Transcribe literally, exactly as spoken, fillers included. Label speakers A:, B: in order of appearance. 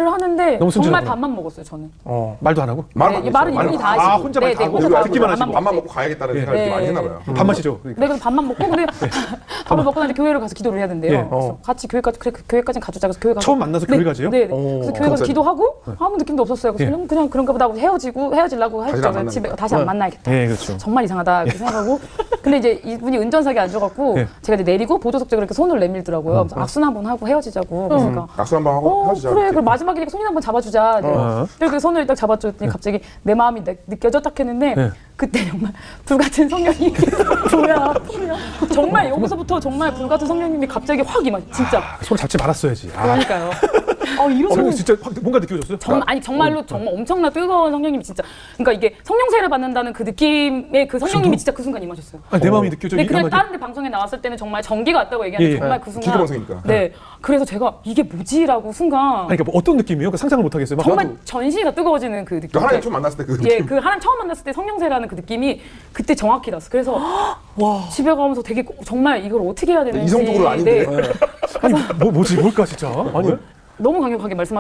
A: 얘기를 하는데
B: 너무
A: 정말
B: 순진하구나.
A: 밥만 먹었어요 저는.
B: 어, 말도 안 하고?
C: 말은
A: 네, 말은 이분이 다 하시고.
B: 아, 혼자 말 다 하고.
A: 혼자 다 하고
B: 듣기만
A: 밥만
B: 하시고.
C: 밥만
A: 먹고.
C: 먹고 가야겠다는
B: 예.
C: 생각을
A: 네.
C: 많이 했나 봐요.
B: 음. 밥 마시죠.
A: 네, 그래서 밥만 먹고 근데 밥을 먹고 나서 교회를 가서 기도를 해야 된대요.
B: 예.
A: 그래서
B: 어.
A: 같이 교회까지 그래 그 교회까지 가주자 그래서 교회 가서
B: 처음 만나서
A: 네,
B: 교회 가지요?
A: 네, 네.
B: 오.
A: 그래서 교회 가서 기도하고 아무 느낌도 없었어요. 그래서
B: 예.
A: 그냥, 그냥 그런가 보다 하고 헤어지고 헤어지려고
C: 다시 안
A: 했죠.
C: 만나겠다.
A: 집에 다시 안 만나야겠다.
B: 예, 그렇죠.
A: 정말 이상하다 이렇게 생각하고 근데 이제 이분이 운전석에 앉아갖고
B: 예.
A: 제가 이제 내리고 보조석쪽으로 이렇게 손을 내밀더라고요. 그래서 악수나 한번 하고 헤어지자고. 그러니까
C: 약속 한번 하고
A: 어
C: 헤어지자.
A: 그래 그럼 마지막이니까 손이나 한번 잡아주자. 네.
B: 어.
A: 그래서 손을 딱 잡아줬더니 갑자기 내 마음이 느- 느껴져 딱 했는데
B: 네.
A: 그때 정말 불같은 성령님이 뭐야 뭐야 정말 여기서부터 정말 불같은 성령님이 갑자기 확 임하 진짜
B: 손 잡지 말았어야지. 아.
A: 그러니까요. 어 이런
B: 어,
A: 성
B: 진짜 확 뭔가 느껴졌어요?
A: 정말 아니 정말로 정말 엄청나 뜨거운 성령님이 진짜 그러니까 이게 성령세를 받는다는 그 느낌의 그 성령님이 진짜 그 순간 임하셨어요.
B: 아니, 내 마음이 느껴져.
A: 근데
B: 이
A: 그냥
B: 한마디.
A: 다른 데 방송에 나왔을 때는 정말 전기가 왔다고 얘기하는데
B: 예, 예.
A: 정말 그 순간
C: 기도방송이니까.
A: 네. 그래서 제가 이게 뭐지라고 순간
B: 아니, 그러니까 뭐 어떤 느낌이에요? 그 상상을 못 하겠어요. 막
A: 정말
B: 나도
A: 전시가 뜨거워지는 그 느낌.
C: 그 하나님 처음 만났을 때 그
A: 예, 그 하나님 처음 만났을 때 성령세라는 그 느낌이 그때 정확히 났어. 그래서 와 집에 가면서 되게 정말 이걸 어떻게 해야 되는지
C: 이성적으로 아닌데.
A: 네.
B: 아니, 뭐, 뭐지? 뭘까, 진짜? 아니,
A: 너무 강력하게 말씀.